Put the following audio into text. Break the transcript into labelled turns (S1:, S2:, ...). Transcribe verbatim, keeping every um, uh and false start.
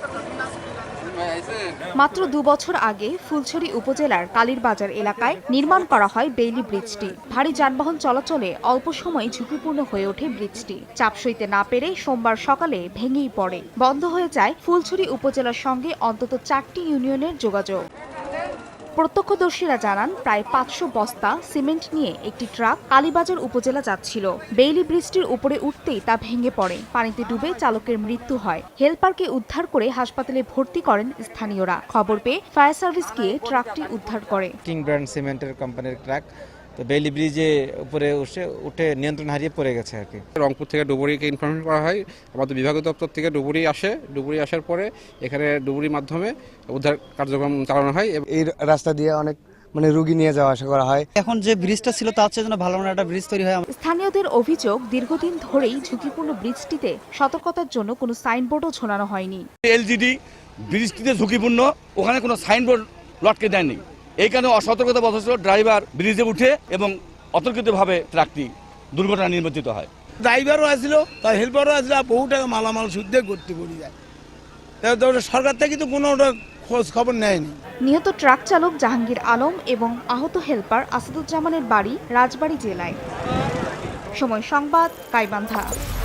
S1: মাত্র দুবছর আগে ফুলছড়ি উপজেলার কালীরবাজার এলাকায় নির্মাণ করা হয় বেইলি ব্রিজটি। ভারী যানবাহন চলাচলে অল্প সময় ঝুঁকিপূর্ণ হয়ে ওঠে ব্রিজটি। চাপ সইতে না পেরে সোমবার সকালে ভেঙেই পড়ে। বন্ধ হয়ে যায় ফুলছড়ি উপজেলার সঙ্গে অন্তত চারটি ইউনিয়নের যোগাযোগ। প্রত্যক্ষদর্শীরা জানান, প্রায় পাঁচশো বস্তা সিমেন্ট নিয়ে একটি ট্রাক কালীবাজার উপজেলা যাচ্ছিল। বেইলি ব্রিজটির উপরে উঠতেই তা ভেঙে পড়ে। পানিতে ডুবে চালকের মৃত্যু হয়। হেলপারকে উদ্ধার করে হাসপাতালে ভর্তি করেন স্থানীয়রা। খবর পেয়ে ফায়ার সার্ভিস গিয়ে ট্রাকটি উদ্ধার করে।
S2: কিং ব্র্যান্ড সিমেন্টের কোম্পানির ট্রাক তো বেইলি ব্রিজে উপরে উঠে উঠে নিয়ন্ত্রণ হারিয়ে পড়ে গেছে আর কি।
S3: রংপুর থেকে ডুবুরিকে ইনফরমেশন করা হয়। আমাদের বিভাগীয় দপ্তর থেকে ডুবুরি আসে। ডুবুরি আসার পরে এখানে ডুবুরির মাধ্যমে উদ্ধার কার্যক্রম চালানো হয়।
S4: এই রাস্তা দিয়ে অনেক মানে রোগী নিয়ে যাওয়া আসা করা হয়।
S5: এখন যে ব্রিজটা ছিল তার চেয়ে যেন ভালো একটা ব্রিজ তৈরি হয়।
S1: স্থানীয়দের অভিযোগ, দীর্ঘদিন ধরেই ঝুঁকিপূর্ণ ব্রিজটিতে সতর্কতার জন্য কোনো সাইনবোর্ডও ঝোলানো হয়নি।
S6: এলজিডি ব্রিজটিতে ঝুঁকিপূর্ণ, ওখানে কোনো সাইনবোর্ড লটকে দেয়নি। এই কারণে অসতর্কতা বশত ড্রাইভার ব্রিজে উঠে এবং অতর্কিতভাবে ট্রাকটি দুর্ঘটনা নির্মিত হয়।
S7: ড্রাইভারও আসলো, তার হেল্পারও আসলো, বহু টাকা মালামাল শুদ্ধে করতে পড়ে যায়। সরকার থেকে তো কোনো খোঁজ খবর নেয়নি।
S1: নিহত ট্রাক চালক জাহাঙ্গীর আলম এবং আহত হেলপার আসাদুজ্জামানের বাড়ি রাজবাড়ী জেলায়। সময় সংবাদ, গাইবান্ধা।